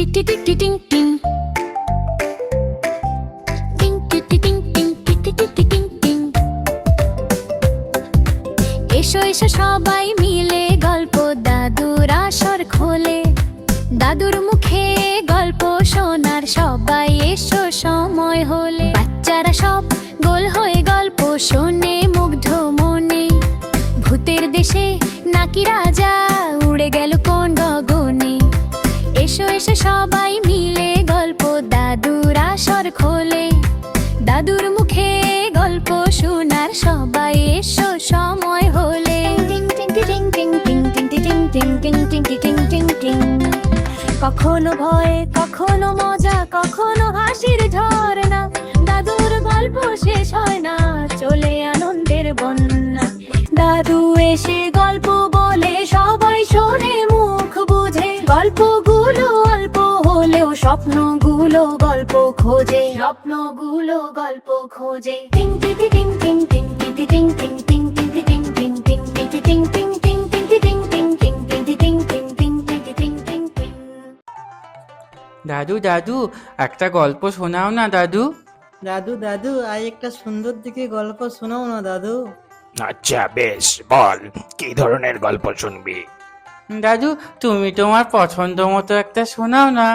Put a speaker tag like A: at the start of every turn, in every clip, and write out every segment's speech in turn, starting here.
A: টি টি টি টিং টিং টিং টি টি টিং টিং টি টি টি টি টিং টিং। এসো এসো সবাই মিলে গল্প দাদুর আসর খোলে। দাদুর মুখে গল্প শোনার সবাই এসো সময় হলে। বাচ্চারা সব গোল হয়ে গল্প শোনে মুগ্ধ মনে। ভূতের দেশে নাকি রাজা উড়ে গেল কোন গগনে। এসো এসো সবাই মিলে গল্প দাদুর আসর খোলে। দাদুর মুখে গল্প শোনার সবাই এসো সময় হলে। কখনো ভয় কখনো মজা কখনো হাসির ঝর্ণা। দাদুর গল্প শেষ হয় না, চলে আনন্দের বন্যা। দাদু এসে গল্প বলে সবাই শোনে মুখ বুঝে। গল্পগুলো অল্প হলেও স্বপ্নগুলো গল্প খোঁজে। স্বপ্নগুলো গল্প খোঁজে। টিং টি টি টিং টিং টিং টি টি টিং টিং টিং টি টি টিং টিং টিং টি টি টিং টিং টিং টিং টি টিং টিং টিং টিং টি টিং টিং টিং টি টি টিং টিং টিং।
B: দাদু দাদু একটা গল্প শোনাও না দাদু।
C: দাদু দাদু আজ একটা সুন্দর দিকে গল্প শোনাও না দাদু।
D: আচ্ছা বেশ, বল কি ধরনের গল্প শুনবি?
B: দাদু তুমি তোমার পছন্দ মতো একটা শোনাও না।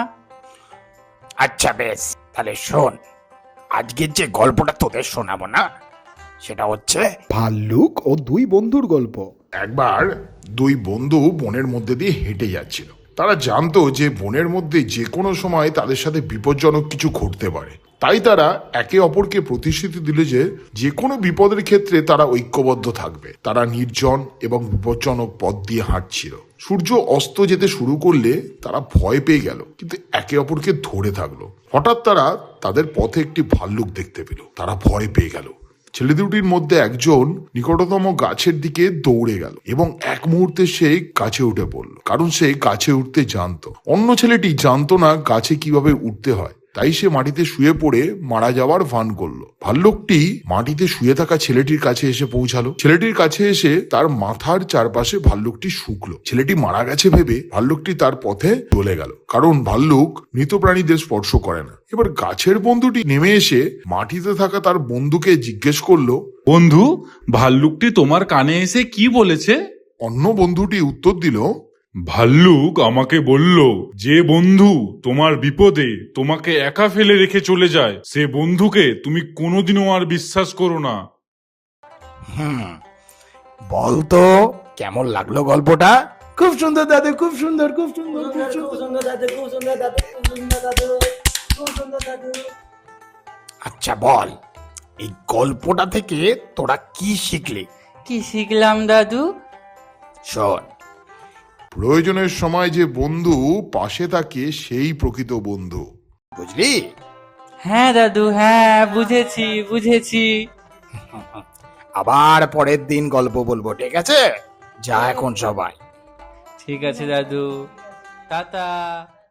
D: আচ্ছা বেশ, তাহলে শোন। আজকের যে গল্পটা তোদের শোনাবো না, সেটা হচ্ছে
E: ভাল্লুক ও দুই বন্ধুর গল্প।
F: একবার দুই বন্ধু বনের মধ্যে দিয়ে হেঁটে যাচ্ছিল। তারা জানতো যে বনের মধ্যে যে কোনো সময় তাদের সাথে বিপজ্জনক কিছু ঘটতে পারে। তাই তারা একে অপরকে প্রতিশ্রুতি দিল যে যে কোনো বিপদের ক্ষেত্রে তারা ঐক্যবদ্ধ থাকবে। তারা নির্জন এবং বিপজ্জনক পথ দিয়ে হাঁটছিল। সূর্য অস্ত যেতে শুরু করলে তারা ভয় পেয়ে গেল, কিন্তু একে অপরকে ধরে থাকলো। হঠাৎ তারা তাদের পথে একটি ভাল্লুক দেখতে পেল। তারা ভয় পেয়ে গেল। ছেলে দুটির মধ্যে একজন নিকটতম গাছের দিকে দৌড়ে গেল এবং এক মুহূর্তে সে গাছে উঠে পড়ল, কারণ সে গাছে উঠতে জানতো। অন্য ছেলেটি জানতো না গাছে কিভাবে উঠতে হয়, তাই সে মাটিতে শুয়ে পড়ে মারা যাওয়ার ভান করলো। ভাল্লুকটি মাটিতে শুয়ে থাকা ছেলেটির কাছে এসে পৌঁছালো। ছেলেটির কাছে এসে তার মাথার চারপাশে ভাল্লুকটি শুকলো। ছেলেটি মারা গেছে ভেবে ভাল্লুকটি তার পথে চলে গেল, কারণ ভাল্লুক মৃত প্রাণীদের স্পর্শ করে না। এবার গাছের বন্ধুটি নেমে এসে মাটিতে থাকা তার বন্ধুকে জিজ্ঞেস করলো,
G: বন্ধু, ভাল্লুকটি তোমার কানে এসে কি বলেছে?
F: অন্য বন্ধুটি উত্তর দিল,
G: ভাল্লুক আমাকে বলল যে বন্ধু তোমার বিপদে তোমাকে একা ফেলে রেখে চলে যায়, সে বন্ধুকে তুমি কোনোদিনও আর বিশ্বাস করো না।
D: বল তো কেমন লাগলো গল্পটা?
E: খুব সুন্দর দাদু, খুব সুন্দর, খুব সুন্দর, খুব সুন্দর।
C: খুব সুন্দর দাদু, খুব সুন্দর দাদু, খুব সুন্দর দাদু, খুব সুন্দর দাদু।
D: আচ্ছা বল, এই গল্পটা থেকে তোরা কি শিখলি?
B: কি শিখলাম দাদু?
D: শোন,
F: প্রয়োজনের সময় যে বন্ধু পাশে থাকে সেই প্রকৃত বন্ধু।
D: বুঝলি?
B: হ্যাঁ দাদু, হ্যাঁ বুঝেছি বুঝেছি।
D: আবার পরের দিন গল্প বলবো, ঠিক আছে? যা এখন সবাই।
B: ঠিক আছে দাদু, টাটা।